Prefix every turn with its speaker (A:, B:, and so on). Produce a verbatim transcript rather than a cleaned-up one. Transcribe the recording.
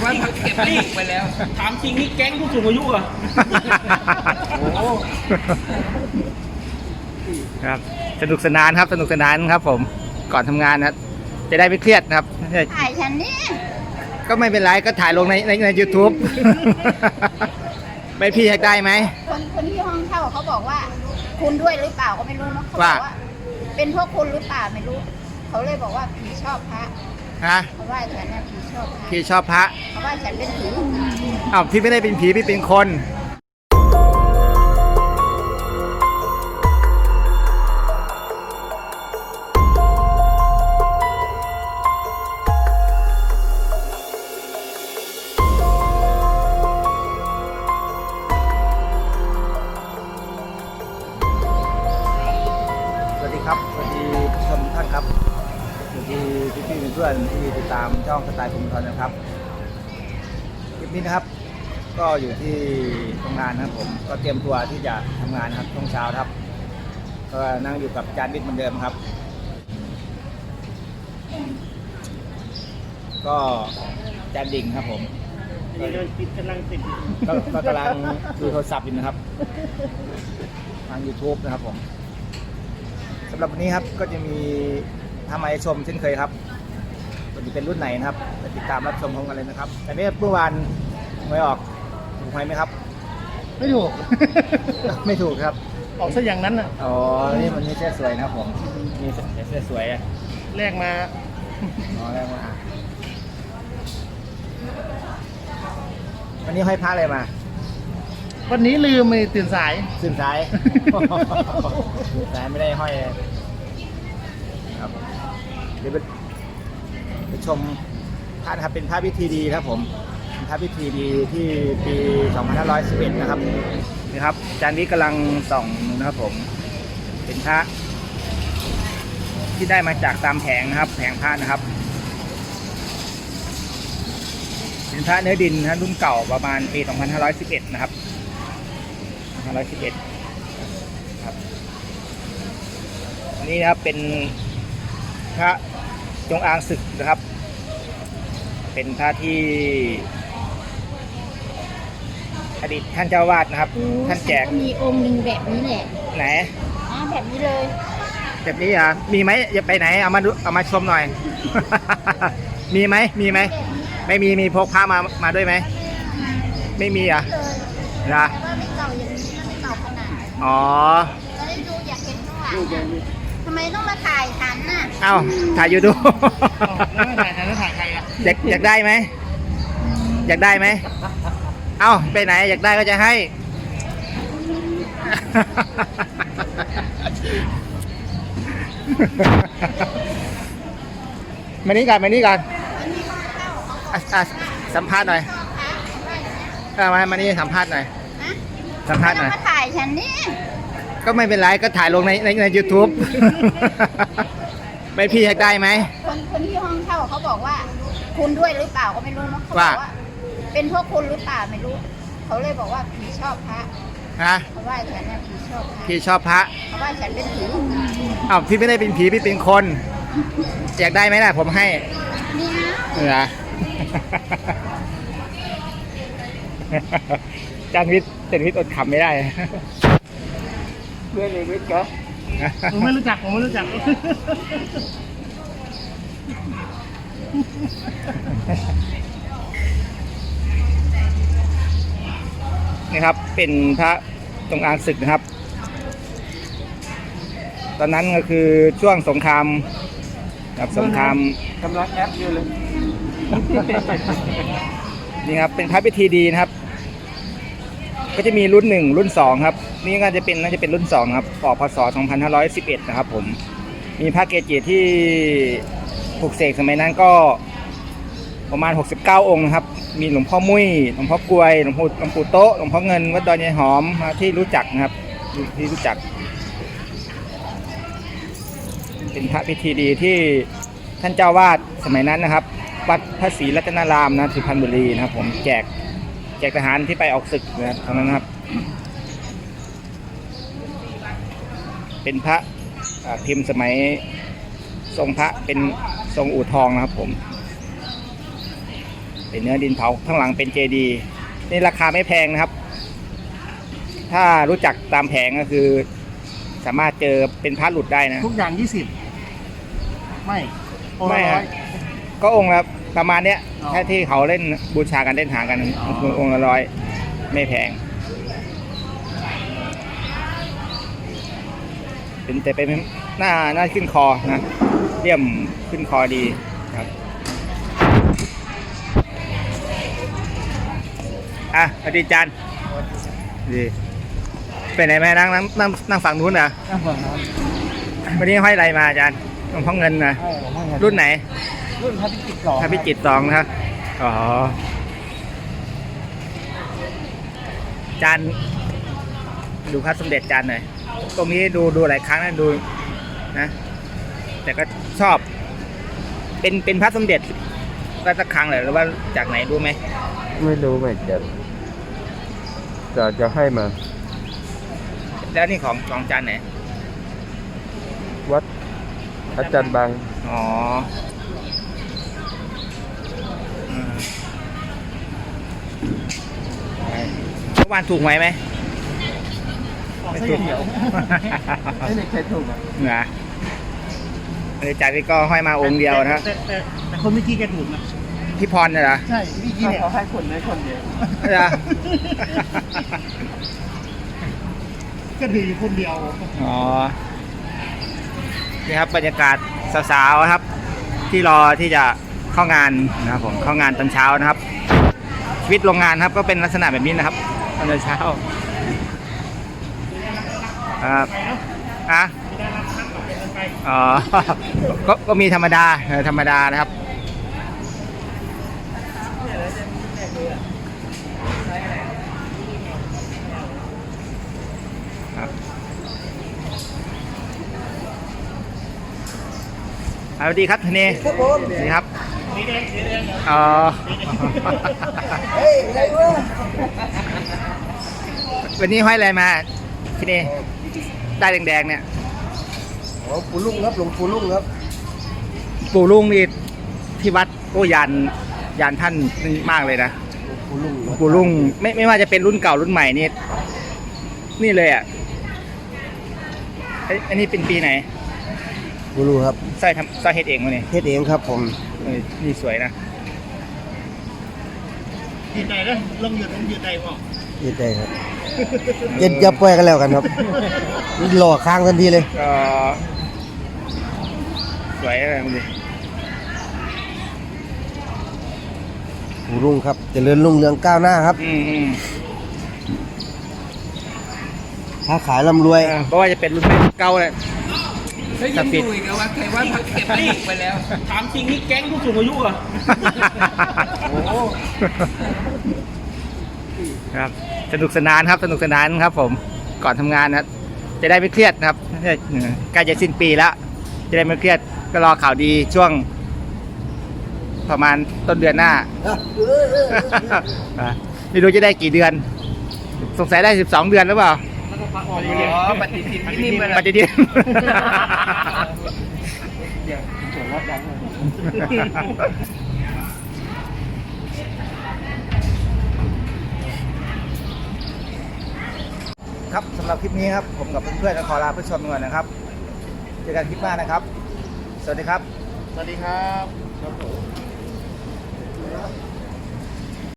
A: ว่าเก็บรีบไปแล้วถามจริงนี่แก๊งผู้สูงอายุเหรอโอ้
B: ครับสนุกสนานครับสนุกสนานครับผมก่อนทำงานนะจะได้ไม่เครียดนะครับ
C: ถ่ายฉันนี่
B: ก็ไม่เป็นไรก็ถ่ายลงในในในยูทูบไม่พี่อยากได้ไหม
C: คนคนที่ห้องเช่าเขาบอกว่าคุณด้วยหรือเปล่าก็ไม่รู้นะเขาบอกว่าเป็นพวกคุณหรือเปล่าไม่รู้เขาเลยบอกว่าผีชอบพระ
B: ฮะ
C: เขาว่าฉันน่ะผีชอบพระ
B: พี่ชอบพระ
C: เขาว่าฉันเป็นผี
B: อ้าวพี่ไม่ได้เป็นผีพี่เป็นคนครับสวัสดีผู้ชมทุกท่านครับสวัสดีพี่พี่เพื่อนที่ติดตามช่องสไตล์ภูมิธรนะครับคลิปนี้นะครับก็อยู่ที่ทำงานนะครับผมก็เตรียมตัวที่จะทำงานครับช่วงเช้าครับก็นั่งอยู่กับจานวิทย์เหมือนเดิมครับก็จานดิ่งครับผมก็กำลังติดก็กำลังดูโทรศัพท์อยู่นะครับทาง ยูทูบ นะครับผมสำหรับวันนี้ครับก็จะมีทำไมชมเช่นเคยครับวันนี้เป็นรุ่นไหนนะครับติดตามรับชมพร้อมกันเลยนะครับแต่นี้เมื่อวานไม่ออกถูกไหมไหมครับ
A: ไม่ถูก
B: ไม่ถูกครับ
A: ออกซะอย่างนั้นอ่ะ
B: อ๋อนี่มันนี่เสื้อสวยนะครับผมมีเสื้อสวยอ่ะ
A: แรกมา
B: อ๋อแรกมาวันนี้ห้อยพระอะไรมา
A: วันนี้ลืมไปตื่นสาย
B: ตื่นสายตื่นสายไม่ได้ห้อยครับเดี๋ยวไปชมพระนะครับเป็นพระพิธีดีครับผมเป็นพระพิธีดีที่ปีสองพันห้าร้อยสิบเอ็ดนะครับนี่ครับจานนี้กำลังส่องนะครับผมเป็นพระที่ได้มาจากตามแผงนะครับแผงพระนะครับเป็นพระเนื้อดินนะรุ่นเก่าประมาณปีสองพันห้าร้อยสิบเอ็ดนะครับห้าร้อยสิบเอ็ดครับอันนี้นะครับเป็นพระจงอางศึกนะครับเป็นพระที่อดีตท่านเจ้าวาดนะครับท่านแจก
C: มีองค์หนึ่งแบบนี้แหละ
B: ไหน
C: อ๋อแบบนี้เลย
B: แบบนี้อ่ะมีไหมอย่าไปไหนเอามาดูเอามาชมหน่อยมีไหมมีไหมไม่มีมีพกพระมามาด้วยไหมไม่มีอ่ะนะอ๋อ
C: จะได้ดูอยากเห็นข้างหลังทำไมต้องมาถ่ายฉันน่ะ
B: เอ้าถ่ายอยู่ดู
A: แล้วถ่ายฉันแล้วถ่ายใครอ่ะ
B: อยากอยากได้ไหมอยากได้ไหมเอ้าไปไหนอยากได้ก็จะให้มานี่กันมานี่กันสัมภาษณ์หน่อยมามานี่สัมภาษณ์หน่อยสัมภาษณ์หน่อย
C: มาถ่ายฉันนี่
B: ก็ไม่เป็นไรก็ถ่ายลงในในในยูทูบไม่พี่อยากได้ไหม
C: คนคนที่ห้องเช่าเขาบอกว่าคุณด้วยหรือเปล่าก็ไม่รู้นะเขาบอกว่าเป็นพวกคุณหรือเปล่าไม่รู้เขาเลยบอกว่าผีชอบพระ
B: ฮะ
C: เขาว่าฉันน่ะผีชอบพระ
B: ผีชอบพระ
C: เขาว่าฉันเป็นผี
B: อ้าวพี่ไม่ได้เป็นผีพี่เป็นคนอยากได้ไหมล่ะผมให้
C: นี่ฮะ
B: เหรอจานวิทย์จานวิทย์อดขำไม่ได้
A: เพื่อนเลยวิทย์ก็ผมไม่รู้จักผมไม่รู้จัก
B: นี่ครับเป็นพระจงอางศึกนะครับตอนนั้นก็คือช่วงสงครามกับสงคราม
A: กำลังแอปอยู่เลย
B: นี่ครับเป็นพระพิธีดีนะครับก็จะมีรุ่นหนึ่งรุ่นสองครับนี่ก็จะเป็นน่าจะเป็นรุ่นสองครับออกพศสองพันห้าร้อยสิบเอ็ดนะครับผมมีพระเกจิที่ปลุกเสกสมัยนั้นก็ประมาณหกสิบเก้าองค์ครับมีหลวงพ่อมุ้ยหลวงพ่อกลวยหลวงพ่อหลวงปู่โต๊ะหลวงพ่อเงินวัดดอนยายหอมที่รู้จักนะครับที่รู้จักเป็นพระพิธีดีที่ท่านเจ้าวาดสมัยนั้นนะครับวัดพระศรีรัตนารามนะสุพรรณบุรีนะครับผมแจกแจกทหารที่ไปออกศึกนะครับตอนนั้นครับเป็นพระพิมพ์สมัยทรงพระเป็นทรงอู่ทองนะครับผมเป็นเนื้อดินเผาข้างหลังเป็นเจดีย์นี่ราคาไม่แพงนะครับ ถ้ารู้จักตามแผงก็คือ สามารถเจอเป็นพระหลุดได้นะ
A: ทุกอย่างยี่สิบไม่องค์
B: ไม่
A: ละร้
B: ฮะ
A: อย
B: ก็องค์ละประมาณเนี้ย
A: อ๋อ
B: ถ้าที่เขาเล่นบูชากันเล่นหากัน
A: อ๋อ
B: องค์ละร้อยไม่แพงเป็นแต่เป็นหน้าหน้าขึ้นคอนะเลี่ยมขึ้นคอดีครับอ่ะอดีตจันดีไปไหนไหมนั่งนั่งนั่งนั่งฝั่งนู้นเหรอ
A: ข้างฝั่งนั้น
B: วันนี้ห้อยอะไรมาอาจารย์หลวงพ่อเงินนะ
A: ใช่ผมว่าไง
B: รุ่นไหน
A: รุ่นพระพิจิตรสอง
B: พระพิจิตรสองนะครับอ๋อจานดูพระสมเด็จจานหน่อย ตรงนี้ดูดูหลายครั้งนะดูนะ แต่ก็ชอบ เป็นเป็นพระสมเด็จรัตครั้งเลยหรือว่าจากไหนรู้ไหม
D: ไม่รู้เหมือนกันจะจะให้มา
B: แล้วนี่ของของจานไหน
D: วัดอาจารย์บาง
B: อ๋ออืมเมื่อวานถูกไหมไหม
A: ไม่ถูกเดียวไม่ได้ใครถูกอ่ะ
B: นะบริจาคนี่ก็ห้อยมาองค์เดียวนะ
A: แต่แต่แต่คนเมื่อกี้แกถูกนะ
B: พี่พรน่ะเหรอ
A: ใช่เมื่อกี้เนี่ยเขาให้คนได้คนเดียว
B: เหรอ
A: ก็ถืออยู่คนเดียว
B: อ๋อ นี่ครับบรรยากาศสาวๆครับ ที่รอที่จะเข้างานนะครับผมเข้างานตอนเช้านะครับ ชีวิตโรงงานครับก็เป็นลักษณะแบบนี้นะครับตอนเช้าครับอ่ะอ๋อ ก็ก็มีธรรมดาเออธรรมดานะครับครับสวัสดีครับทนายครับผมสวัสดีครับอ๋อ วันนี้ห้อยอะไรมาที่นี่ได้แดงๆเนี่ย
D: อ๋อปูลุงครับหลวงปูลุงครับ
B: ปู่ลุงนี่ที่วัดโอ้ยันยันท่านนี่มากเลยนะ
D: ปูลุง
B: ปู่ลุงไม่ไม่ว่าจะเป็นรุ่นเก่ารุ่นใหม่นี่นี่เลยอ่ะไอ้อันนี้เป็นปีไหน
D: ปูลุงครับ
B: สร้อยทำสร้อยเฮ็ดเองวะเนี่ย
D: เฮ็ดเองครับผม
B: เออนี่สวยนะ
A: ยืนใจแล้วลงหยุดลงยืนใจบอก
D: เฮ็ดได้ครับเย็นจะปล่อยกันแล้วกันครับหล่อค้างทันทีเลย
B: ก็สวยอะไรมึงดิ
D: ปูลุงครับเจริญรุ่งเรืองก้าวหน้าครับ
B: อืมอืม
D: ค้าขายร่ำรวย
B: เออเพราะว่าจะเป็นรุ่นแม่เก่าเลย
A: เฮ้ยยังดูอีกนะว่าใครว่าเก็บรีบไปแล้ว ถามจริงนี่แก๊งผู้สูงอายุเหรอ โอ้โห
B: ครับสนุกสนานครับสนุกสนานครับผมก่อนทำงานนะครับจะได้ไม่เครียดนะครับใกล้จะสิ้นปีแล้ว จะได้ไม่เครียดก็รอข่าวดีช่วง ประมาณต้นเดือนหน้า ไม่รู้จะได้กี่เดือน สงสัยได้สิบสองเดือนหรือเปล่า
A: อ๋อปฏิทินที่นี่มา
B: ปฏิทิน
A: เดี๋ยวส่วนลดดังเลย
B: ครับสำหรับคลิปนี้ครับผมกับเพื่อนๆก็ขอลาเพื่อนชมก่อนนะครับเจอกันคลิปหน้านะครับ สวัสดีครับ
A: สวัสดีครับ